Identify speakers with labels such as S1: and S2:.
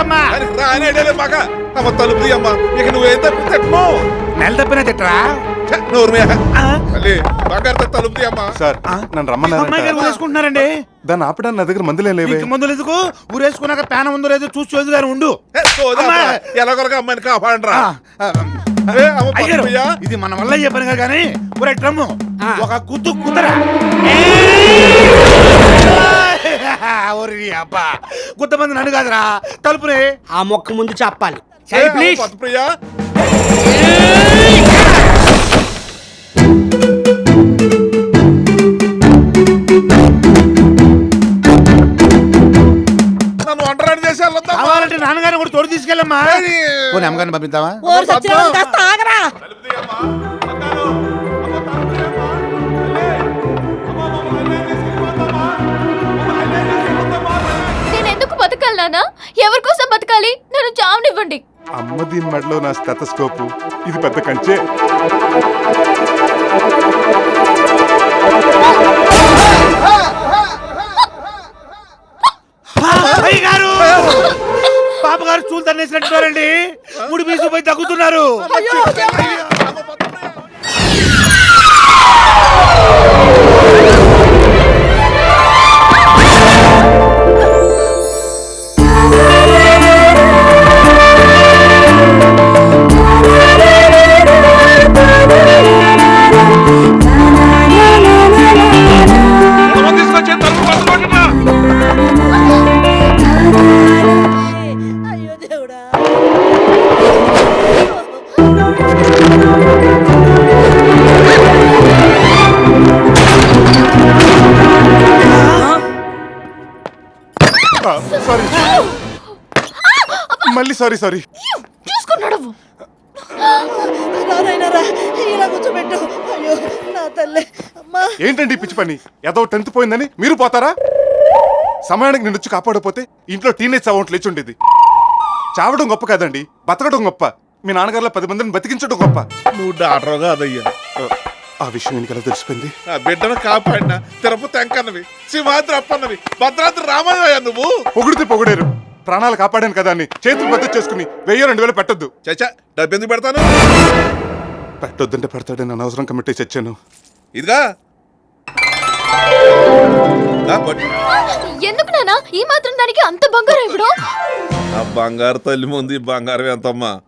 S1: అమ్మా.
S2: మగ అమ్మ తలుపు అమ్మ ఇక నువ్వేం తప్పితే
S1: నెల తప్పినా తిట్టరా?
S2: బంగారు తలుపు అమ్మా.
S3: సార్ నన్ను రమ్మన్నారు.
S1: ఊరేసుకుంటున్నారండి.
S3: దాన్ని ఆపడానికి నా దగ్గర మందులే లేవే.
S1: మందులు ఎందుకు? ఊరేసుకున్నాక పేన ఉందో లేదో చూసి చదువుగానే ఉండు.
S2: ఎలాగొరగా అమ్మాయిని కాపాడండి.
S1: అయ్యారు, ఇది మన వల్ల అయ్యే పని కానీ ఒరే డ్రమ్ము ఒక కుత్తు కుదరా అబ్బా గుత్తమంది నన్ను కాదురా తలుపుని
S4: ఆ మొక్క ముందు చెప్పాలి.
S2: ప్రియా నన్ను ఒంటరి చేసేయాలి.
S1: కావాలంటే నాన్నగారిని కూడా తోడు తీసుకెళ్ళమ్మా. పోనీ అమ్మగారిని పంపిద్దామా?
S5: నేను ఎందుకు బతకాలి నాన్న? ఎవరి కోసం బతకాలి? నన్ను చావనివ్వండి.
S3: అమ్మ దీని మెడలో నా స్టెతస్కోపు, ఇది పెద్ద కంచె.
S1: పాపగారు చూలు తన్నేసినట్టున్నారండి. ముడి బీసుకుపోయి తగ్గుతున్నారు.
S3: మళ్ళీ సారీ
S5: చూసుకున్నాడు.
S3: ఏంటండి పిచ్చి పని? ఏదో 10th పోయిందని మీరు పోతారా? సమయానికి నేను వచ్చి కాపాడపోతే ఇంట్లో టీనేజ్ అవ్వంట్ లేచి ఉండేది. చావడం గొప్ప కాదండి, బతకడం గొప్ప. మీ నాన్నగారులో 10 మందిని బతికించడం గొప్ప.
S2: నువ్వు డాక్టర్ కాదయ్యా.
S3: ఆ విషయం ఎందుకలా తెలిసిపోయింది?
S2: ఆ బిడ్డను కాపాడిన తిరుపతి అంకన్నవి, సింహాద్రి అప్పన్నవి, భద్రాద్రి రామయ్య. నువ్వు
S3: పొగిడితే పొగిడారు, ప్రాణాలు కాపాడాను కదా అని చేతులు బద్దలు చేసుకుని 1000-2000 పెట్టొద్దు.
S2: చచ్చా, డబ్బు ఎందుకు పెడతాను?
S3: పెట్టొద్దంటే పెడతాడని అనవసరం కమిటీ చచ్చాను.
S2: ఇదిగా
S5: ఎందుకు నాన్న ఈ మాత్రం దానికి అంత బంగారం ఇప్పుడు?
S2: ఆ బంగారు తల్లి ముందు బంగారం ఎంతమ్మా?